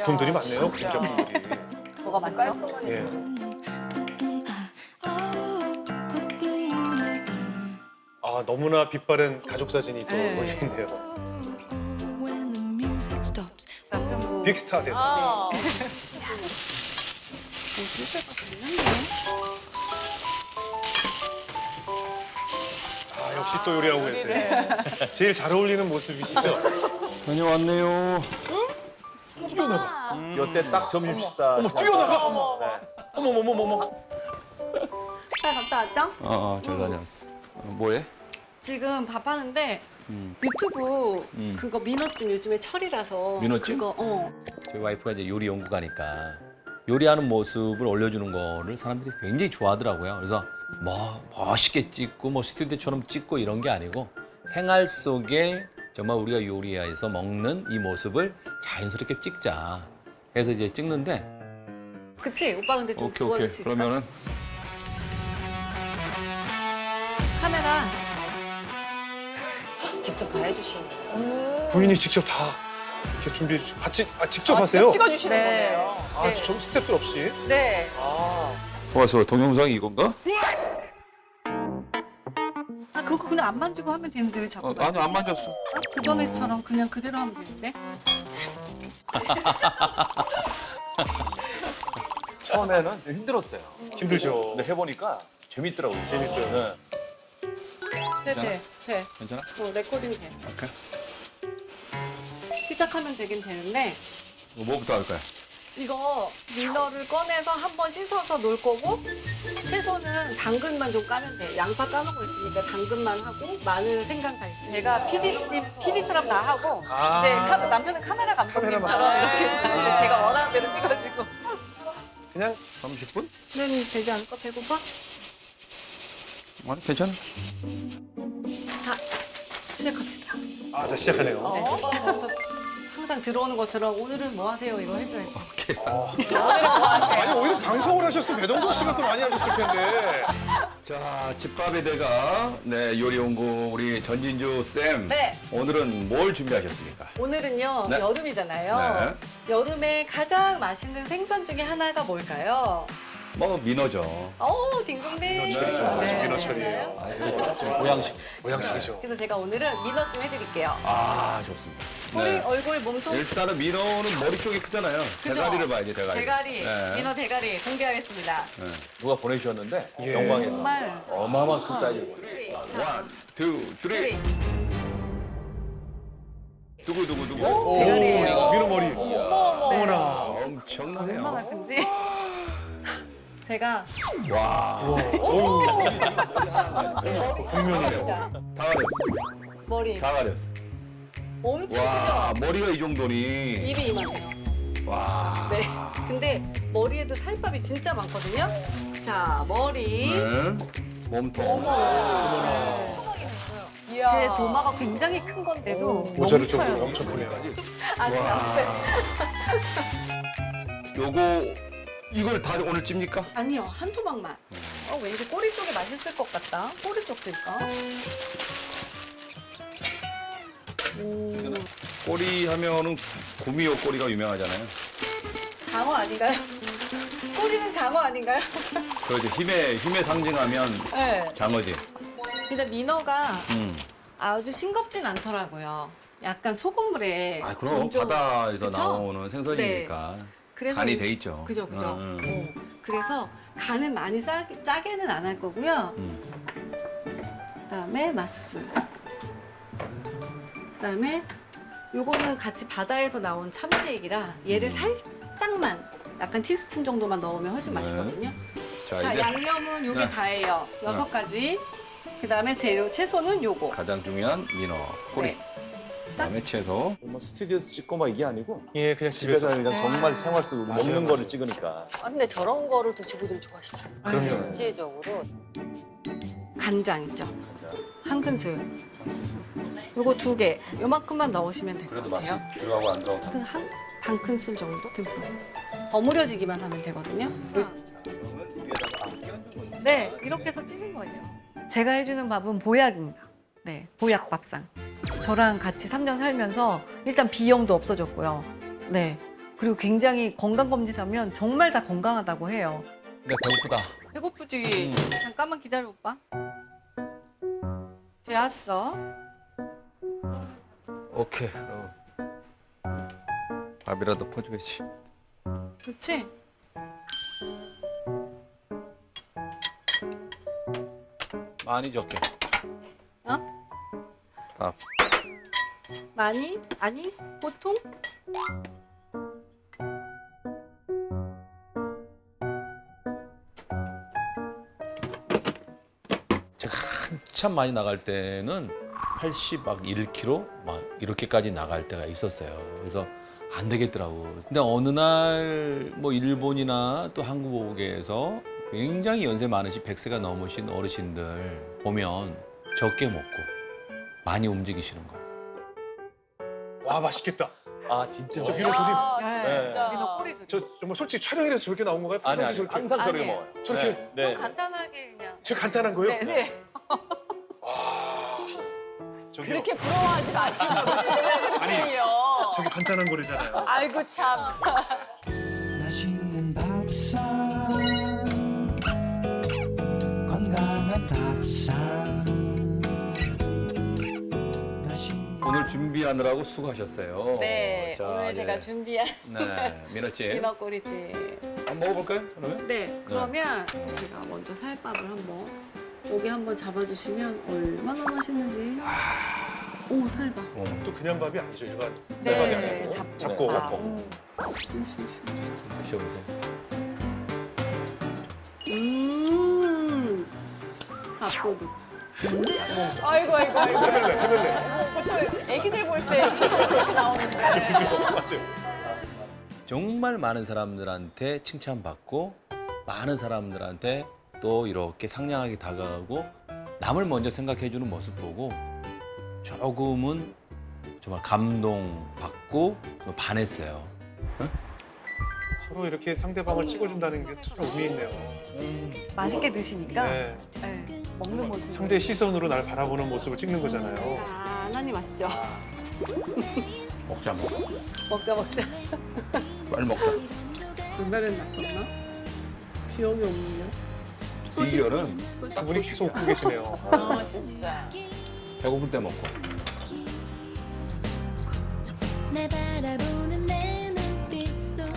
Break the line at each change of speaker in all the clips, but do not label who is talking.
작품들이 많네요. 그림 작품들이.
뭐가 많죠?
깔끔하니.
예. 아 너무나 빛바랜 가족 사진이 또
네.
걸려 있네요.
남편분.
빅스타 대사.
아.
아 역시 또 요리하고 계세요. 제일 잘 어울리는 모습이시죠?
다녀왔네요.
뛰어나가.
이때 딱 점심 식사.
어머 뛰어나가. 어머 어머.
잘 갔다 왔죠?
잘 다녀왔어. 뭐해?
지금 밥 하는데 유튜브 그거 민어찜 요즘에 철이라서
민어찜?
그거
저희 와이프가 이제 요리 연구가니까 요리하는 모습을 올려주는 거를 사람들이 굉장히 좋아하더라고요. 그래서 뭐 멋있게 찍고 뭐 스튜디오처럼 찍고 이런 게 아니고 생활 속에 정말 우리가 요리해서 먹는 이 모습을 자연스럽게 찍자. 그래서 이제 찍는데
그치? 오빠 근데 좀
오케이
도와줄
오케이.
수 있을까?
그러면은
카메라
직접 다 해주시는.
부인이 직접 다 이렇게 준비해 주시고 같이 직접
아,
하세요?
직접 찍어주시는
네.
거네요.
아, 좀 스태프들 없이?
네.
와서 동영상이 이건가?
아 그거 그냥 안 만지고 하면 되는데 왜 자꾸
나는 안 만졌어.
그 전에처럼 그냥 그대로 하면 되는데?
처음에는 좀 힘들었어요.
힘들죠.
근데 해보니까 재밌더라고요.
재밌어요.
네.
돼.
괜찮아?
레코딩 돼.
오케이.
시작하면 되긴 되는데
뭐부터 할까요?
이거 민어를 꺼내서 한번 씻어서 놓을 거고 채소는 당근만 좀 까면 돼. 양파 까놓은 거 있으니까 당근만 하고 마늘 생강 다 있으니까. 제가 PD처럼 다 하고
아.
이제 남편은 카메라 감독님처럼 이렇게 이제 제가 원하는 대로 찍어주고.
그냥
30분?
는 되지 않을까? 배고파?
아니 괜찮아.
자, 시작합시다.
아, 자 시작하네요.
저기서 항상 들어오는 것처럼 오늘은 뭐 하세요? 이거 해줘야지.
아니 오히려 방송을 하셨으면 배동석 씨가 더 많이 하셨을 텐데.
자, 집밥의 대가 네 요리 연구 우리 전진주 쌤.
네.
오늘은 뭘 준비하셨습니까?
오늘은요,
네.
여름이잖아요. 여름에 가장 맛있는 생선 중에 하나가 뭘까요?
뭐 민어죠.
딩동댕.
민어철이죠.
네.
민어철이에요.
진짜 보양식.
모양식이죠.
그래서 제가 오늘은 민어찜 해드릴게요.
아 좋습니다.
우리
네.
얼굴, 몸통,
일단은 민어는 머리 쪽이 크잖아요.
그죠?
대가리를 봐야지 대가리.
대가리,
네.
민어 대가리 공개하겠습니다.
네.
누가 보내주셨는데
예.
영광에서
정말.
어마어마한 큰 사이즈를 보내주셨어요.
원, 투, 쓰리. 두구.
대가리예요.
민어 머리. 어머나.
엄청나네요.
얼마나 큰지. 제가
와.
복면이네요.
다 가렸어.
머리
다 가렸어.
엄청
와,
크죠?
머리가 이 정도니.
입이 이만해요.
와.
네. 근데 머리에도 살밥이 진짜 많거든요. 자, 머리.
네. 몸통.
제 도마가 굉장히 큰 건데도
모자를
멈춰요.
정도로 엄청 크네요.
아직 없어요.
요거 이걸 다 오늘 찝니까?
아니요, 한 토막만. 왠지 꼬리 쪽이 맛있을 것 같다. 꼬리 쪽 찔까?
꼬리 하면은 구미호 꼬리가 유명하잖아요.
장어 아닌가요? 꼬리는 장어 아닌가요?
그렇죠. 힘의 상징하면
네.
장어지.
근데 민어가
음.
아주 싱겁진 않더라고요. 약간 소금물에
아, 그럼
건조-
바다에서
그쵸?
나오는 생선이니까
그래서
간이 돼 있죠.
그죠.
음.
그래서 간은 많이 짜게는 안 할 거고요. 그다음에 맛술. 그다음에 요거는 같이 바다에서 나온 참치액이라 얘를 살짝만 약간 티스푼 정도만 넣으면 훨씬
네.
맛있거든요. 자,
자, 이제
양념은 요게
네.
다예요. 6가지. 그다음에 재료 채소는 요거.
가장 중요한 민어 꼬리.
네.
그다음에 채소.
뭐 스튜디오에서 찍고 막 이게 아니고
예, 그냥
집에서
집에서.
그냥 정말 생활 속으로 먹는
맞아요.
거를 찍으니까.
아, 근데 저런 거를 또 지구들이 좋아하시잖아요.
그럼요.
전체적으로.
간장 있죠. 한 큰술. 요거 2개. 요만큼만 넣으시면 될 것
그래도 맛이
같아요.
들어가고 안 들어가고.
반 큰술 정도 듬뿍. 버무려지기만 하면 되거든요. 네, 이렇게 해서 찌는 거예요. 제가 해주는 밥은 보약입니다. 네, 보약 밥상. 저랑 같이 3년 살면서 일단 비염도 없어졌고요. 네, 그리고 굉장히 건강검진하면 정말 다 건강하다고 해요.
근데 배고프다.
배고프지? 잠깐만 기다려, 오빠. 되었어.
오케이. 밥이라도 퍼줘야지.
그렇지?
많이 적게.
어?
밥.
많이? 아니? 보통?
제가 한참 많이 나갈 때는 81kg 막 이렇게까지 나갈 때가 있었어요. 그래서 안 되겠더라고. 근데 어느 날 뭐 일본이나 또 한국에서 굉장히 연세 많으신 100세가 넘으신 어르신들 보면 적게 먹고 많이 움직이시는 거.
와 맛있겠다.
아 진짜.
저 민호 조림.
진짜.
민호 꼬리 조림.
저 정말 솔직히 촬영이라서 저렇게 나온 건가요?
아니
평상시
아니
저렇게.
항상 저렇게
아니에요.
먹어요.
저렇게?
네.
간단하게 그냥.
저 간단한 거요?
네.
저기요.
그렇게 부러워하지 마시라고 침을 그렇게 흘려.
저게 간단한 거래잖아요.
아이고 참.
맛있는 밥상 건강한 밥상 맛있는
오늘 준비하느라고 수고하셨어요.
네,
자,
오늘
예.
제가 준비한
네, 민호씨.
민어 꼬리찜.
한번 먹어볼까요? 그러면?
네, 그러면 제가 먼저 살밥을 한번 여기 한번 잡아주시면 얼마나 맛있는지. 오, 살밥.
또 그냥 밥이 아니죠 일반.
쌀밥이
네,
아니고.
잡고.
밥.
드셔보세요.
밥도둑.
아이고. 보통 애기들 볼 때 저렇게 나오는데.
그죠? 맞아요.
정말 많은 사람들한테 칭찬받고 많은 사람들한테 또 이렇게 상냥하게 다가가고 남을 먼저 생각해주는 모습 보고 조금은 정말 감동받고 좀 반했어요.
서로 이렇게 상대방을 찍어준다는 게 참 의미 있네요.
맛있게 드시니까
네.
네, 먹는 모습.
상대 시선으로 날 바라보는 모습을 찍는 거잖아요.
하나님 아시죠?
먹자 먹자.
먹자.
빨리 먹자.
옛날엔 났었나? 기억이 없네요.
이결은
두 분이 계속 웃고 계시네요.
아 진짜.
배고플 때 먹고.
날 바라보는 내 눈빛 속에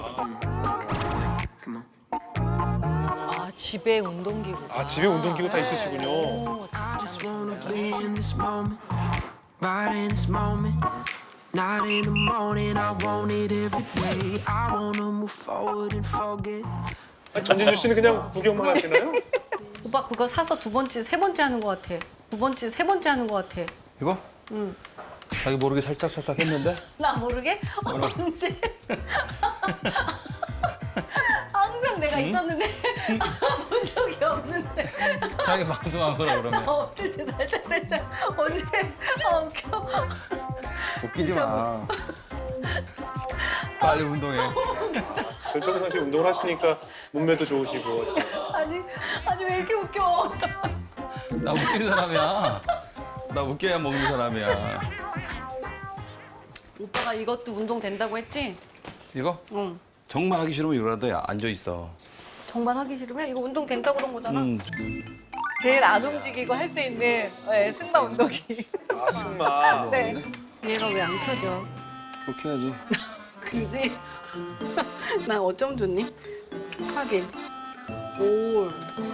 아 집에 운동기구.
아 집에 운동기구 다 있으시군요.
오,
I just wanna be in this moment right in this moment not in the morning I want it every day I wanna move forward and forget
아니, 전진주 씨는 그냥 구경만 하시나요?
오빠 그거 사서 세 번째 하는 것 같아. 세 번째 하는 것 같아.
이거?
응.
자기 모르게 살짝 했는데?
나 모르게? 언제? 항상 내가 있었는데 본 적이 없는데
자기 방송한 거라 그러면.
없을 때 살짝 언제? 웃겨.
웃기지 마. 빨리 운동해.
평상시 운동을 하시니까 몸매도 좋으시고.
아니 왜 이렇게 웃겨?
나 웃기는 사람이야. 나 웃겨야 먹는 사람이야.
오빠가 이것도 운동 된다고 했지?
이거?
응.
정말 하기 싫으면 이거라도 앉아 있어.
정말 하기 싫으면 이거 운동 된다고 그런 거잖아. 제일 안 움직이고 할 수 있는 승마 운동이.
아 승마.
네. 얘가 왜 안 켜져?
그렇게 해야지.
그지? 난 어쩜 좋니? 하긴. 올.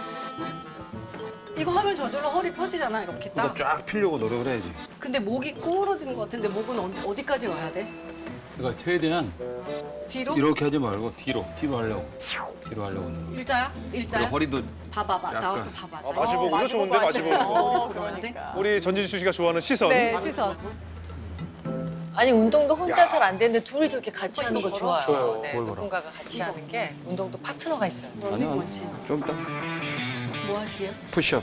이거 하면 저절로 허리 펴지잖아, 이렇게 딱.
쫙 피려고 노력을 해야지.
근데 목이 구부러진 것 같은데 목은 어디까지 와야 돼?
그러니까 최대한
뒤로?
이렇게 하지 말고 뒤로 하려고. 뒤로 하려고.
일자야? 일자야?
허리도
봐봐.
약간.
나와서 봐봐.
아, 마주보고도 좋은데 마주보고.
어
그러야 돼?
그러니까.
우리 전진주 씨가 좋아하는 시선.
네, 시선.
아니 운동도 혼자 잘 안 되는데 둘이 저렇게 같이 하는 거 좋아요.
좋아요.
네,
뭘 봐라.
누군가가 같이 하는 게 운동도 파트너가 있어요.
아니야.
러닝머신.
좀 이따
뭐 하시게요?
푸시업.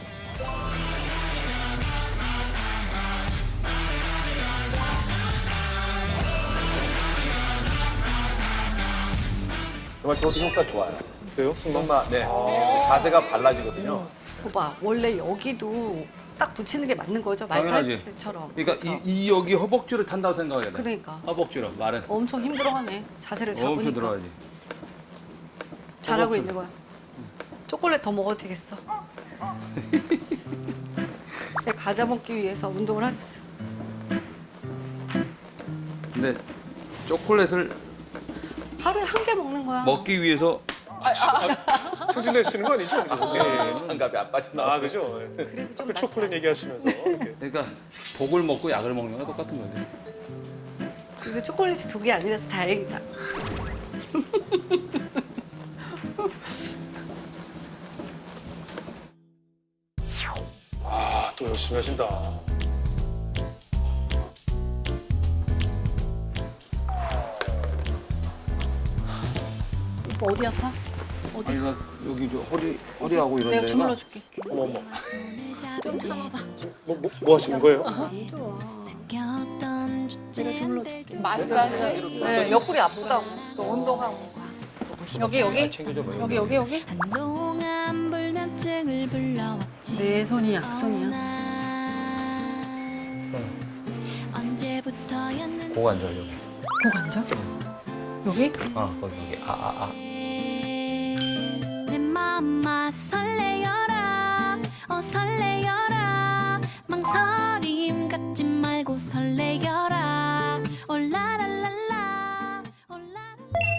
정말 저도 효과 좋아요.
그래요? 승마?
승마, 네. 자세가 발라지거든요.
봐봐, 원래 여기도 딱 붙이는 게 맞는 거죠.
당연하지.
말타이트처럼.
그러니까
그쵸?
이 여기 허벅지를 탄다고 생각해야 돼.
그러니까.
허벅지로 말은
엄청 힘들어하네. 자세를
엄청
잡으니까.
들어가지.
잘하고 있는 거야. 초콜릿 더 먹어도 되겠어. 내 과자 먹기 위해서 운동을 하겠어.
근데 초콜릿을
하루에 한 개 먹는 거야.
먹기 위해서
승진내시는 거 아니죠? 네.
장갑이 안 빠져나와.
아 그죠?
그래도 좀
그
낫지
초콜릿
않아?
얘기하시면서 이렇게.
그러니까 독을 먹고 약을 먹는 거 똑같은 거지.
근데 초콜릿이 독이 아니라서 다행이다.
아, 또 열심히 하신다.
오빠 어디 아파? 어디?
아니 나 여기 저 허리하고 이런
내가
데가
주물러줄게.
어머머.
좀 참아봐.
뭐 하시는 거예요?
안 좋아.
내가
주물러줄게.
마사지.
네, 옆구리 아프다고. 또 운동하고. 여기 여기? 여기 여기 여기?
한동안 불면증을 불러왔지.
내 손이 약손이야.
언제부터였는지
고 앉아 여기.
목 앉아? 여기?
거기
내 맘아 설레여라 설레여라 망설임 갖지 말고 설레여라 올라랄랄라 올라랄라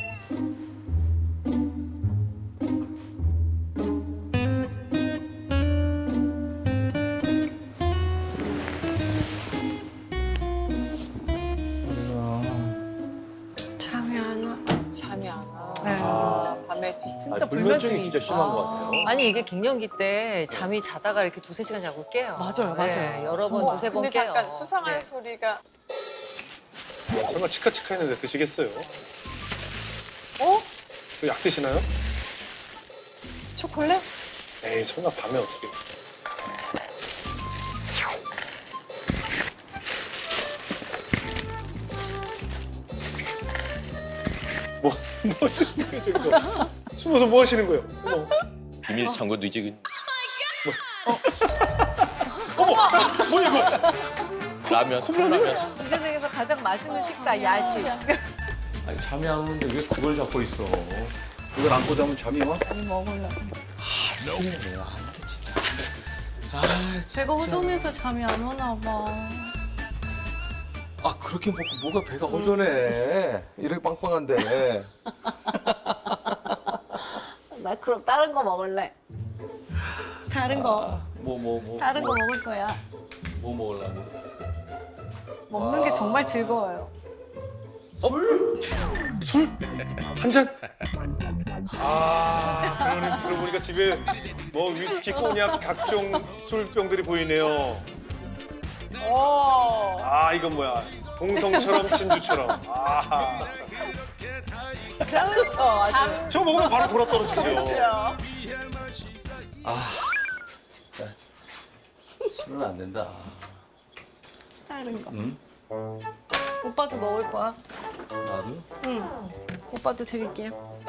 잠이 안 와.
잠이 안 와.
네.
밤에
진짜
불면증이 진짜 심한 것 같아요.
아니 이게 갱년기 때 잠이 자다가 이렇게 두세 시간 자고 깨요.
맞아요, 맞아요.
여러 번 두세 번 깨요.
잠깐 수상한 소리가
정말 치카치카 했는데 드시겠어요?
어?
약 드시나요?
초콜릿?
에이, 설마 밤에 어떻게. 뭐 하시는 거예요, 저기서? 숨어서 뭐 하시는 거예요? 어머.
비밀 창고도 이제
뭐야, 이거?
라면. 컵라면.
이 세상에서 가장 맛있는 식사 야식.
아니 잠이 안 오는데 왜 그걸 잡고 있어? 이걸 안고 자면 잠이 와?
먹으려고.
안돼 진짜.
배가 허전해서 잠이 안 오나 봐.
아 그렇게 먹고 뭐가 배가 허전해? 이렇게 빵빵한데.
나 그럼 다른 거 먹을래. 다른 거.
뭐
다른 거 먹을 거야.
뭐 먹으려고?
먹는 게 정말 즐거워요.
술? 한 잔? 아, 그러니 들어보니까 집에 뭐 위스키, 꼬냑, 각종 술병들이 보이네요.
오.
아, 이건 뭐야? 동성처럼 진주처럼. 아,
좋죠, 아주.
저 먹으면 바로 돌아 떨어지죠.
진짜 술은 안 된다.
다른 거.
응?
오빠도 먹을 거야.
나도?
응. 오빠도 드릴게요.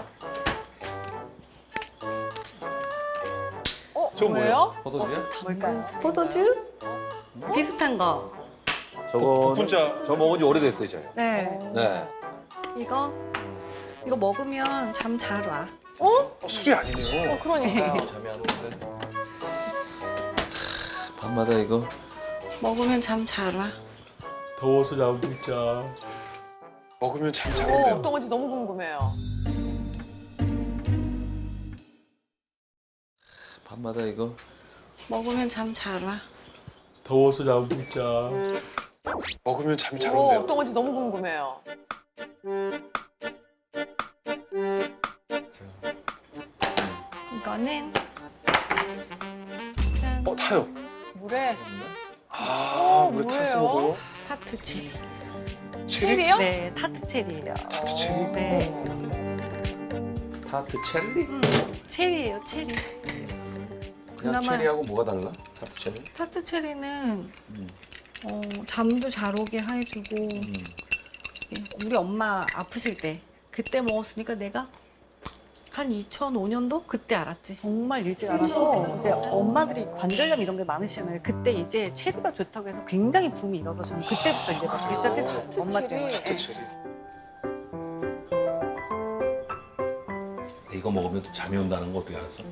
저
뭐예요?
포도주야?
뭘까요? 포도주? 비슷한 거.
저거는
혼자.
저 먹은 지 오래됐어요, 저희.
네.
네.
이거 먹으면 잠 잘 와.
술이 아니네요.
그러니까요.
잠이 안 오는데. 밤마다 이거
먹으면 잠 잘 와.
더워서 잠 못 자.
먹으면 참 잘
오,
온대요.
어떤 건지 너무 궁금해요.
밤마다 이거
먹으면 잠 잘 와.
더워서 잠 못 자.
먹으면 참 잘
오,
온대요.
어떤 건지 너무 궁금해요.
이거는 짠.
타요.
물에
아, 물에 타서
뭐예요?
먹어요?
타트 체리.
체리?
체리요?
네, 타트 체리예요.
타트 체리?
네.
타트 체리?
체리예요, 체리.
그냥
그나마-
체리하고 뭐가 달라? 타트 체리?
타트 체리는 잠도 잘 오게 해주고 우리 엄마 아프실 때 그때 먹었으니까 내가 한 2005년도 그때 알았지.
정말 일찍 알아서 이제 엄마들이 관절염 이런 게 많으시잖아요. 그때 이제 체리가 좋다고 해서 굉장히 붐이 일어서 저는 그때부터 이제 먹기 시작했어요.
하트
엄마
체리.
때문에.
하트 체리.
이거 먹으면 또 잠이 온다는 거 어떻게 알았어?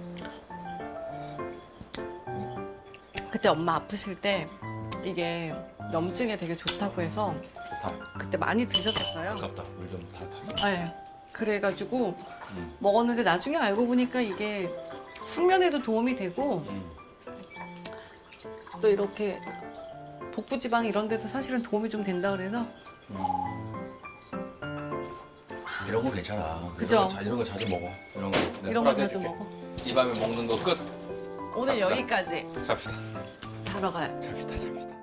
그때 엄마 아프실 때 이게 염증에 되게 좋다고 해서
좋다.
그때 많이 드셨었어요.
아깝다. 물 좀 다 타서.
네. 그래가지고 먹었는데 나중에 알고 보니까 이게 숙면에도 도움이 되고 또 이렇게 복부 지방 이런 데도 사실은 도움이 좀 된다 그래서
이런 거 괜찮아.
그죠?
이런 거 자주 먹어. 이런 거. 내가
이런 거
허락해
자주
줄게.
먹어.
이 밤에 먹는 거 끝.
오늘
갑시다.
여기까지
잡시다.
자러 가요.
잡시다.